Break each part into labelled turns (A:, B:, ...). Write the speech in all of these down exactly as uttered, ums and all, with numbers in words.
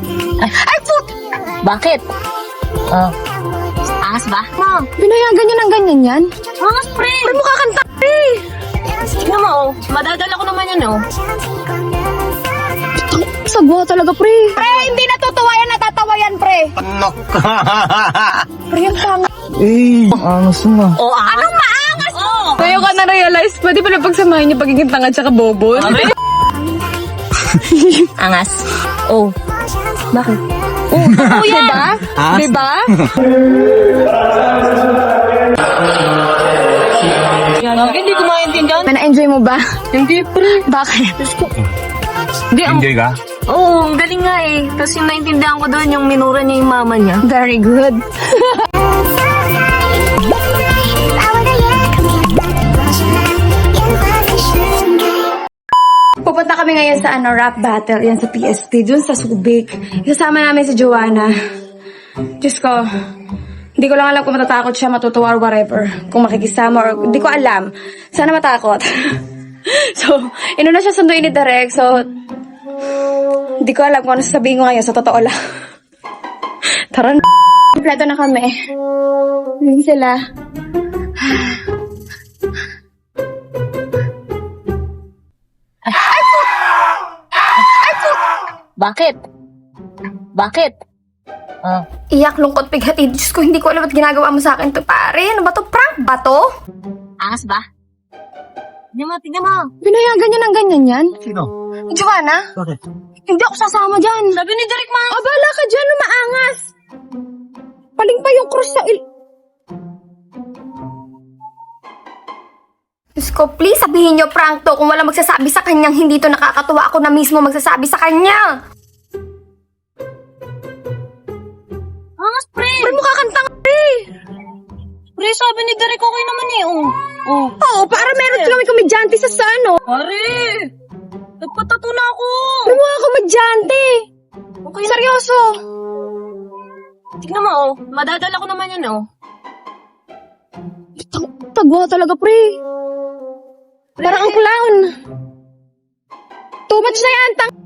A: Ay, put! Bakit? Oh. Angas ba?
B: Ma, binayagan niya ng ganyan yan?
A: Angas, pre!
B: Pre, mukha kang t***i!
A: Tingnan mo, oh. Madadala ko naman yan, oh.
B: Sagwa talaga, pre. Pre, hindi natutuwa yan, natatawa yan, pre.
C: Anak.
B: Pre, ang tanga.
C: Eh, angas mo.
A: Oh, angas? Anong maangas? Oh!
B: Ngayon ka na-realize, pwede pala pagsamahin niya pagiging tanga tsaka bobo.
A: Angas. Oh.
B: Bakit?
A: Oh, totoo yan.
B: Diba?
C: Angas.
B: Diba?
A: Bakit hindi ko maintindihan?
B: Na-enjoy mo ba?
A: Hindi, pre.
B: Bakit?
A: Hindi, ang...
C: Enjoy ka?
A: Oo, oh, ang galing nga eh. Kasi naintindihan ko doon yung minura niya yung mama niya.
B: Very good. Pupunta kami ngayon sa ano, rap battle. Yan sa P S T. Dun sa Subic. Isasama namin si Joanna. Diyos ko. Hindi ko lang alam kung matatakot siya, matutuwa or whatever. Kung makikisama or... Hindi ko alam. Sana matakot. So, inuna siya sunduin ni Derek. So, hindi ko alam kung ano sasabihin ko ngayon. Sa totoo lang. Tara na. Kompleto na kami. Hindi sila.
A: Bakit? Bakit? Oh.
B: Iyak, lungkot, pighati. Diyos ko, hindi ko alam at ginagawa mo sa akin to, pare. Ano ba to? Prank ba to?
A: Angas ba? Tingnan mo, tingnan mo.
B: Binayagan niya ng ganyan yan?
C: Sino?
B: Joanna?
C: Bakit?
B: Hindi ako sasama dyan.
A: Sabi ni Derek, ma.
B: Ah, bala ka dyan, umaangas. Paling pa yung cross sa il... Diyos ko, please sabihin niyo prank to. Kung wala magsasabi sa kanyang hindi to nakakatuwa, ako na mismo magsasabi sa kanya.
A: Angas, pre.
B: Pre, mukha kang tanga, pre.
A: Pre, sabi ni Derek, okay naman eh. Oh. Oh.
B: Oo, para meron kami komedyante sa sa ano.
A: Pare, nagpatato na ako.
B: Pre, mukha komedyante.
A: Okay na.
B: Seryoso.
A: Tingnan mo, oh. Madadala ko naman yan, oh.
B: Tag- Tagwa talaga, pre. Parang ang clown. Too much na yan, tang...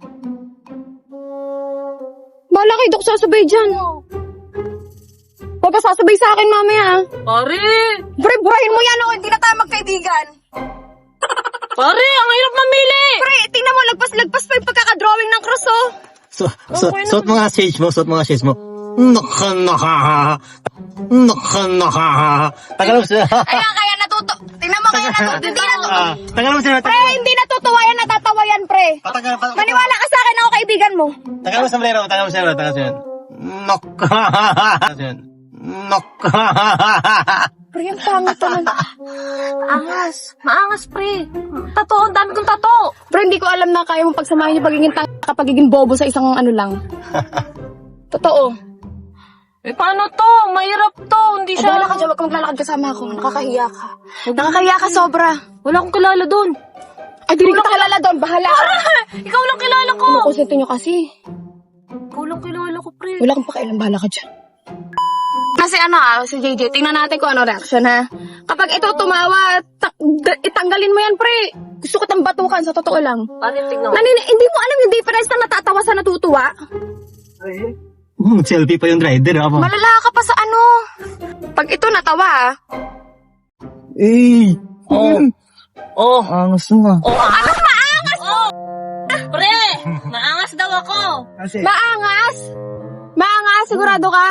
B: Bahala kayo, dok sasabay dyan. Huwag ka sasabay sa akin, mamaya.
A: Pare.
B: Pre, burahin mo yan, oh. Hindi na tayo magkaibigan.
A: Pare, ang hirap mamili.
B: Pre, tingnan mo, lagpas-lagpas pa yung pagkakadrawing ng cross, oh.
C: So, so, suot mo nga shades mo, suot mo nga shades mo. Naka, naka, naka, naka. Tagal mo sila.
B: Kaya, kaya natuto. Tingnan mo, kaya natuto. Hindi natuto.
C: Ah, Tagal mo sila.
B: Pre, hindi natutuwa yan, natatawa yan, pre.
C: Patagal, patagal.
B: Maniwala ka sa akin, ako kaibigan mo.
C: Tagal mo sa sombrero, tagal mo sa sombrero, tagal mo sa sombrero. Naka, naka.
B: Pre, ang pangit talaga.
A: Angas. Maangas, pre. Tato, ang dami kong tato.
B: Pre, hindi ko alam na kaya mo pagsamahin yung pagiging tanga at pagiging bobo sa isang ano lang. Totoo.
A: Eh, paano to? Mahirap to. Hindi
B: Ay,
A: siya...
B: bahala ka dyan, wag kang maglalakad kasama ako. Nakakahiya ka. Nakakahiya ka sobra.
A: Wala akong kilala doon.
B: Ay, di rin kita kilala doon. Bahala ka.
A: Ikaw lang kilala ko.
B: Kumukusento nyo kasi.
A: Ikaw lang kilala ko, pre.
B: Wala kang pakialam. Bahala ka dyan. Kasi ano ah, si J J, tingnan natin kung ano reaction ha. Kapag ito tumawa, ta- d- itanggalin mo yan, pre. Gusto ko tang batukan, sa totoo lang.
A: Pare, tignan mo.
B: Nanin- hindi mo alam yung difference na natatawa sa natutuwa.
C: Hmm, selfie pa yung rider, ha?
B: Malala ka pa sa ano. Pag ito natawa ah.
C: Eh,
A: Oh. Oh.
C: angas mo.
A: Oh, angas. Anong maangas? Oh. Pre, maangas daw ako.
C: Kasi,
B: Maangas? Maangas, sigurado ka?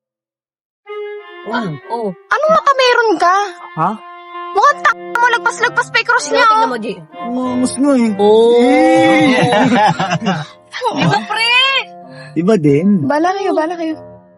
A: Ah, oh.
B: Anong mata meron ka?
C: ha?
B: Mukhang tak mo, lagpas-lagpas pa yung cross niya.
A: Tingnan
B: Oh.
A: mo, G.
C: Angas mo eh.
A: Oh. Iba, pre.
C: Iba din.
B: Bala kayo, bala kayo.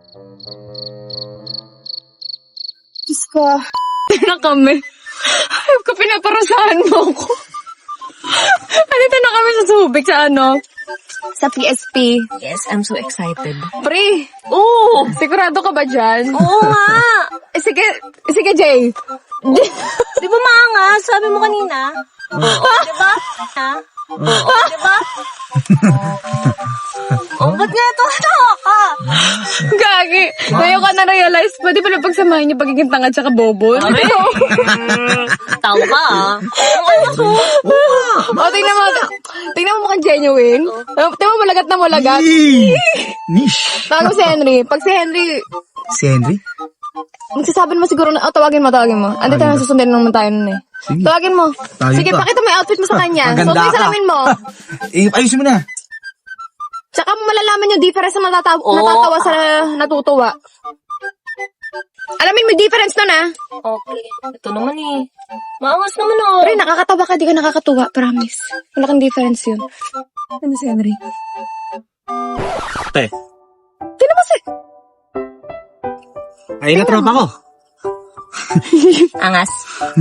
B: Diyos ko. Na kami. Ayaw ka, pinaparusahan mo ako. Andito na kami sa Subic sa ano? Sa P S P.
A: Yes, I'm so excited.
B: Pre,
A: Oh.
B: sigurado ka ba dyan?
A: Oo nga.
B: Eh, sige, sige Jay.
A: Di ba maangas? Sabi mo kanina. Oo, di ba? Ha? Oo, di ba? Oh, ba't nga ito? Tawa ka.
B: Gagi. Ngayon ka na-realize, pwede pala pagsamahin niyo pagiging tanga tsaka bobo.
A: Aray. Tawa ka ah.
B: O, tingnan mo. Tingnan mo mukhang genuine. Tingnan mo malagat na malagat.
C: Nish.
B: Tawag mo si Henry. Pag si Henry,
C: Si Henry?
B: magsasabi mo siguro na, oh, tawagin mo, tawagin mo. Andi tayo, susundin naman tayo nun eh.
C: Sige.
B: Tawagin mo.
C: Tayo
B: Sige,
C: pa.
B: pakita mo yung outfit mo sa kanya.
C: Maganda
B: Suot mo yung
C: ka.
B: salamin mo.
C: Eh, ayusin mo na.
B: Tsaka mo malalaman yung difference na natatawa,
A: Oo.
B: natatawa sa natutuwa. Alamin mo yung difference nun ah.
A: Okay. Ito naman eh. Maangas naman oh.
B: Pero nakakatawa ka, di ka nakakatuwa, promise. Malaking difference yun. Ano si Henry?
C: Te.
B: Tingnan mo si...
C: Ay, natropa ko.
A: Angas.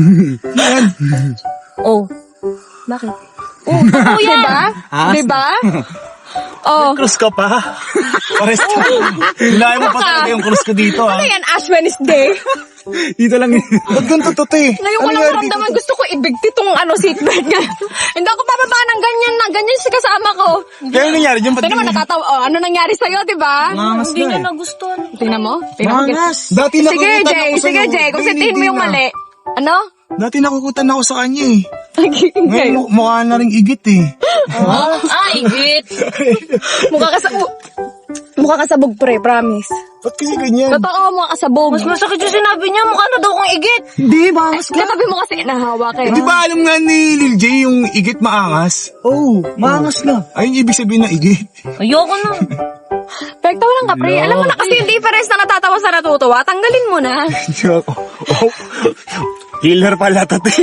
A: Oh. Bakit? Oh, totoo yan.
B: Diba?
C: Ah,
B: Diba? Oh.
C: Cross ka pa. Pares ka. Hinaya mo pa talaga yung cross ko dito, ha?
B: Ano yan, Ash Wednesday?
C: Dito lang yun. Ba't ganito to, te?
B: Ngayon ko lang maramdaman, gusto ko ibigti tong ano, seatbelt nga. Hindi ako bababa ng ganyan na, ganyan si kasama ko.
C: Kaya yung nangyari dyan,
B: Tingnan mo, natatawa. Oh, ano nangyari sa'yo, diba?
C: Mangas
A: Hindi
C: na
A: niya
C: eh.
A: nagustuhan.
B: Tingnan mo. Tingnan mo.
C: Mangas. Dati
B: Sige,
C: nakukutan
B: Jay.
C: ako
B: Sige,
C: sa'yo.
B: Jay. Kung
C: Ay,
B: sabihin mo
C: hindi
B: yung
C: na.
B: mali. Ano?
C: Dati nakukutan ako sa kanya eh. Ngayon,
B: Okay.
C: mu- mukha na rin igit eh.
A: Ah, igit.
B: Mukha ka sa... Mukha ka sabog, pre. Promise.
C: Ba't kasi ganyan?
B: Totoo, mukha ka sabog.
A: Mas masakit yung sinabi niya. Mukha na daw kong igit.
C: Hindi, mangas ka.
B: Katabi mo kasi nahawa ka eh.
C: Di ba alam nga ni Lil J yung igit maangas? Oo, oh, maangas na. Ayun yung ibig sabihin ng igit.
A: Ayoko na.
B: Pekta walang ka, pre. Alam mo na kasi yung difference na natatawa sa natutuwa. Tanggalin mo na.
C: oh, killer pala to, te.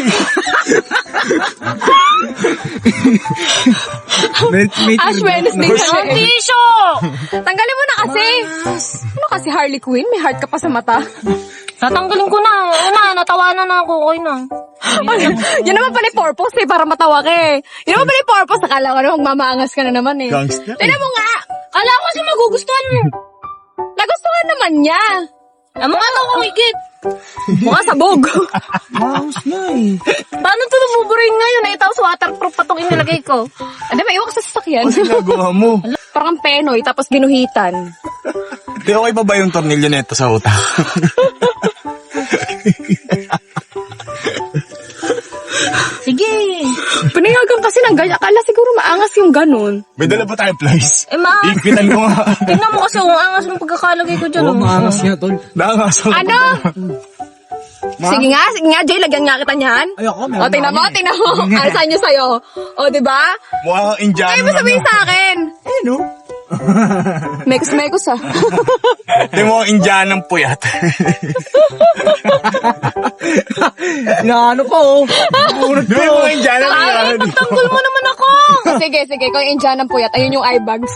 C: may, may
B: Ash Wednesday
A: Ang
B: kasi.
A: tissue.
B: Tanggalin mo na kasi. Ano kasi Harley Quinn? May heart ka pa sa mata.
A: Tatanggalin ko na. Ano na, natawanan na ako. Okay na.
B: Ay, yun naman pala yung purpose eh, para matawa ka eh. Yun naman pala yung purpose, nakala ko na magmamaangas ka na naman eh.
C: Gangster.
B: Tignan mo nga,
A: Kala ko kasi magugustuhan mo.
B: nagustuhan naman niya.
A: Ah, mukha daw kong igit.
B: Mukha sabog.
C: Maangas na eh.
A: Paano ito nabuburin ngayon? Eh, tapos waterproof pa itong inilagay ko.
B: Ano ba, iwak sa sasakyan.
C: Ano ginagawa mo?
B: Parang penoy, tapos ginuhitan.
C: Di okay pa ba yung tornilyo nito sa utak?
A: Sige.
B: Pinayagan kasi ng ganyan. Akala siguro maangas yung ganun.
C: May dala ba tayo, Plies?
A: Eh, ma...
C: Ipitan ko nga.
A: Tingnan mo kasi kung angas ng pagkakalagay ko dyan. oh.
C: nga, tol. Naangas ako.
B: Ano? Sige nga, sige nga, Jay, lagyan nga kita niyan.
C: Ayoko, meron
B: O, tingnan
C: na
B: mo,
C: kami.
B: tingnan mo. Alisan niyo sa'yo. O, di ba?
C: Mukha kang Indiano.
B: Kaya mo sabihin sa akin.
C: Eh, no?
B: Mekos-mekos ah.
C: Di mo kang Indianang puyat. Inaano ko, oh. Di mo kang Indianang puyat.
A: Ay, pagtanggol mo naman ako.
B: Sige, sige, kung yung Indian ng puyat, ayun yung eye bags.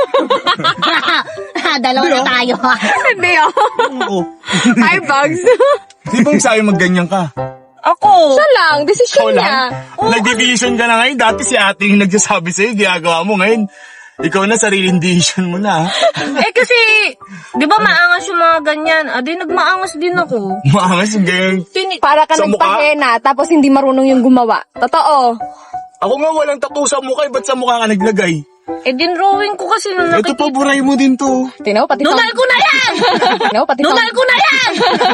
A: Dalawa na tayo.
B: Hindi oh.
C: Oo.
B: Eye bags.
C: Di bang sabi magganyan ka?
A: Ako.
B: Siya lang, desisyon
C: Ikaw
B: niya.
C: lang? Nag-division ka na ngayon. Dati si ate yung nagsasabi sa'yo, ginagawa mo ngayon. Ikaw na, sariling decision mo na.
A: Eh kasi, di ba maangas yung mga ganyan? Ah, di nagmaangas din ako.
C: Maangas yung ganyan.
A: Tini-
B: Para ka
C: Sa mukha?
B: nagpahena, tapos hindi marunong yung gumawa. Totoo.
C: Ako nga walang tattoo sa mukha, eh, ba't sa mukha ka naglagay?
A: eh, din-drawing ko kasi nung
C: Ito pa,
A: nakikita.
C: buray mo din to.
B: Tinaw, pati
A: Nunal ko na yan!
B: Tinaw, pati
A: Nunal ko na yan!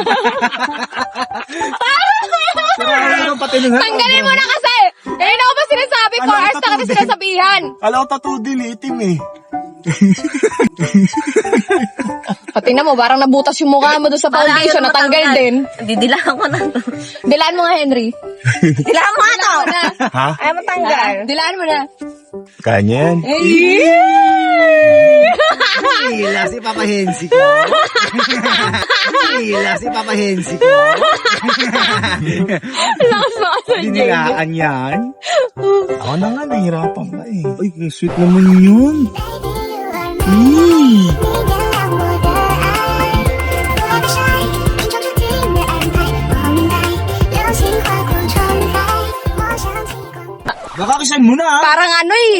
C: Ano pati nun, ha?
B: Tanggalin mo na kasi! Eh, ano ba sinasabi ko?
C: Ano,
B: Ars na kasi
C: tattoo din?
B: sinasabihan.
C: Kala ko tattoo din, eh, itim eh.
B: Pati na mo, parang nabutas yung mukha mo doon sa foundation, natanggal din.
A: Didilaan ko na.
B: Dilaan mo nga, Henry.
A: Didilaan mo nga to!
B: Ano?
C: Ha?
A: Ay, matanggal.
B: Dilaan mo na.
C: Kanya yan.
D: Hila si Papa Hensi ko. Hila si Papa Hensi ko.
B: Lakas mo kasi, Jay.
D: Dinilaan yan.
C: Ako na nga, nahihirapan ka eh. Ay, ang sweet naman yun. Mm. Baka kisan mo na, ha?
B: Parang ano eh.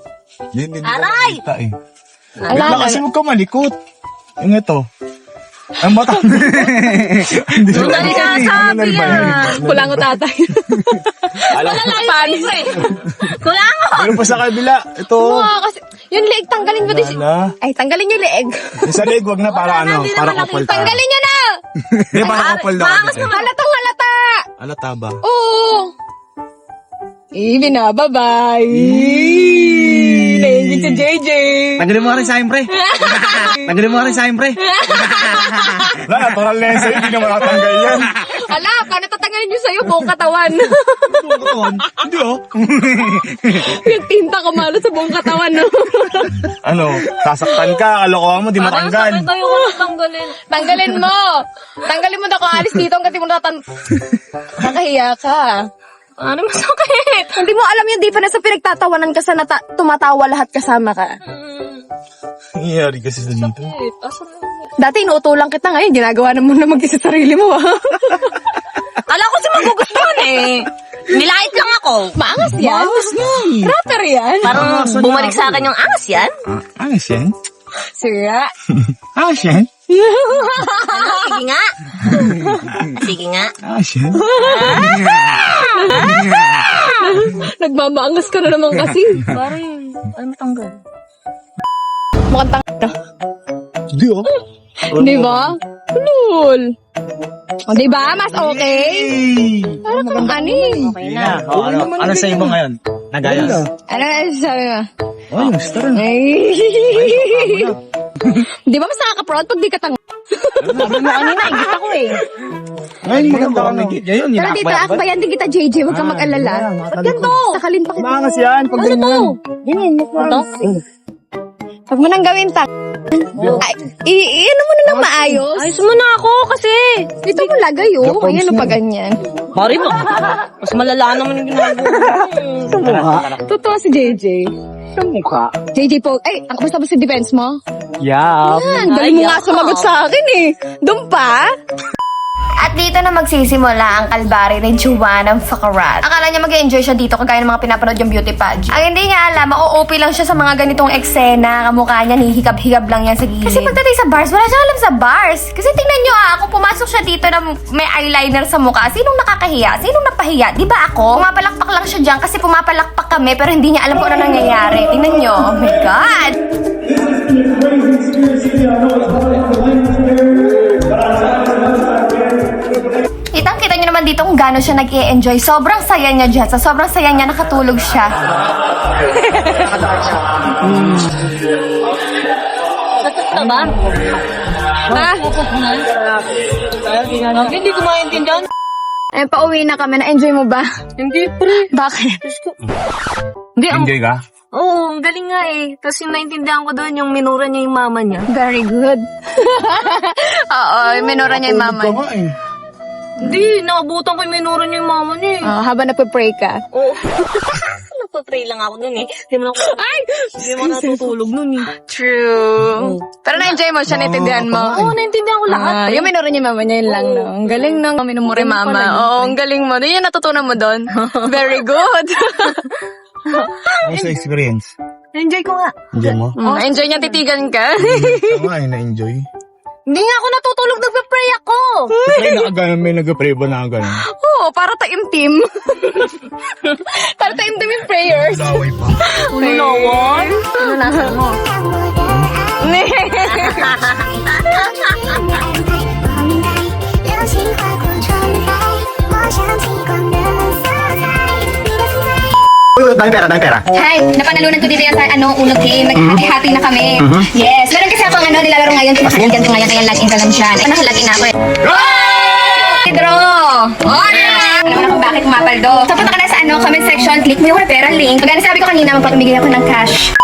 C: Yan, hindi
A: Aray!
C: ko makita, eh.
B: Ala,
C: Bigla kasi huwag ka malikot. Yung ito.
D: Ang mata.
A: Doon na rin sabi ah.
B: Kulango tatay.
D: Alam
A: Wala lang panis eh. Kulango.
D: Meron pa sa kabila. Ito.
B: Oo, kasi yung leeg, tanggalin mo din. si-
D: Wala.
B: Ay, tanggalin yung leeg.
D: Yung sa leg, wag na para ano.
A: hindi
D: Para
A: naman
D: couple tayo.
B: Tanggalin nyo na!
D: Hindi, para couple daw.
A: Maangas naman.
B: Halatang halata!
D: Alata ba?
B: Oo! Eh, binababay! Leeg si J J!
D: Tanggalin mo nga rin sa akin, pre. Tanggalin mo nga rin sa akin, pre. Wala, natural na yan sa'yo. Hindi naman natanggal yan.
B: Ala, paano tatanggalin nyo sa'yo buong katawan?
D: Hindi, oh.
B: Yung tinta kumalo sa buong katawan, no?
D: Ano, sasaktan ka, kalokohan mo, di matanggal.
A: Parang sakit tayo ko natanggalin.
B: Tanggalin mo! Tanggalin mo na kung alis dito hanggang di mo natan... Nakahiya ka.
A: Ano masakit?
B: Hindi mo alam yun, di pa na sa pinagtatawanan ka sa nata- tumatawa lahat kasama ka.
D: Nangyayari kasi sa dito.
A: Wait, asan na?
B: Dati inuutulang kita ngayon, ginagawa na mo na mag-isa sarili mo, ha?
A: Kala ko si magugustuhan eh. Nilait lang ako.
B: Maangas yan? Maangas yan. Rapper yan?
A: Parang bumalik sa akin yung angas yan.
D: Ah, angas yan?
B: Sira.
D: Angas yan?
A: Sige nga. Sige nga.
D: Angas yan?
B: Nagmamaangas ka na naman kasi.
A: Parang, ay matanggal.
B: Mukhang tanga.
D: Hindi, oh.
B: Di ba? Lul. O, di ba? Mas okay? Parang kang ani.
A: Okay na.
C: Oh, ano, ano sa mo ngayon? Nagayas.
B: Ano na sabi mo?
D: Oh, yung star.
B: Ay. Di ba mas nakaka-proud pag di ka tanga?
A: Sabi mo kanina, igit ako eh.
D: Ngayon, maganda ka na. Ngayon,
B: Pero dito, akbayan din kita, J J. Huwag kang mag-alala. Ba't ganito? Sakalin pa kita.
D: Maangas yan, pag ganyan.
A: Ito?
B: Huwag mo nang gawin ta. Ay, i- i- ano mo na nang maayos?
A: Ayos mo na ako kasi.
B: Dito mo lagay, oh. Ayan, o pa ganyan.
A: Mari mo. Mas malala naman yung ginagawa.
B: Totoo si J J.
D: Sa mukha.
B: J J po, ay, ang kamusta ba si defense mo?
D: Yeah.
B: Yan, dali mo
A: Ay,
B: nga
A: ako.
B: sumagot sa akin eh. Doon pa? At dito na magsisimula ang kalbari ni Juana Facarat. Akala niya mag-enjoy siya dito kagaya ng mga pinapanood yung beauty pageant. Ang hindi niya alam, ma-O P lang siya sa mga ganitong eksena. Kamukha niya, hihikab-hikab lang yan sa gilid. Kasi pagdating sa bars, wala siyang alam sa bars. Kasi tingnan niyo ah, ako pumasok siya dito na may eyeliner sa mukha. Sinong nakakahiya? Sinong napahiya? Di ba ako? Pumapalakpak lang siya dyan kasi pumapalakpak kami pero hindi niya alam kung ano nangyayari. Tingnan niyo. Oh my God! Kitang-kita niyo naman dito kung gaano siya nag-i-enjoy. Sobrang saya niya dyan. Sa sobrang saya niya, nakatulog siya.
A: Ito ba?
B: Ha?
A: Hindi ko maintindihan.
B: Eh, pauwi na kami. Na-enjoy mo ba?
A: Hindi, pre.
B: Bakit?
A: Hindi, ang...
D: Enjoy ka?
A: Oo, ang galing nga eh. Tapos yung naintindihan ko doon, yung minura niya yung mama niya.
B: Very good. Oo, minura niya yung mama.
D: eh.
A: Hindi, nakabutan ko yung minura niya yung mama niya eh.
B: Oh, habang napapray ka.
A: Oo. Nagpa-pray lang ako nun eh. Hindi mo na ako... Ay! Hindi mo natutulog nun eh.
B: True. Pero na-enjoy mo siya, naintindihan mo.
A: Oo, naintindihan ko lahat.
B: Ah, yung minura niya mama niya, yun lang, no? Ang galing ng minumuri
A: Galing
B: mama.
A: pala yun.
B: Oo, ang galing mo. Yun yung natutunan mo doon. Very good.
D: Ano sa experience?
A: Enjoy ko nga.
D: Enjoy mo?
B: Mm, enjoy niya titigan ka.
D: Ito nga eh, na-enjoy.
A: Hindi nga ako natutulog, nagpa-pray ako.
D: May nakaganon, may nag-pray ba nakaganon?
B: Oo, para taimtim. Para taimtim yung prayers.
D: Laway pa.
A: Ano nawan?
B: Ano nasa mo?
E: 流星划过窗台，我想起光的色彩，你的存在。
C: Uy, dami pera, dami pera.
B: Hi, napanalunan ko dito yan sa ano, unang game. Naghati-hati na kami. Yes, meron kasi ako ano, nilalaro ngayon. Pinakaligan ko ngayon, kaya login ka lang siya. Ito nakalagin na ako eh. Pedro! Oh, alam mo na kung bakit umapal do. So, punta ka na sa ano, comment section, click mo yung referral link. Pagka nasabi ko kanina, magpapamigay ako ng cash.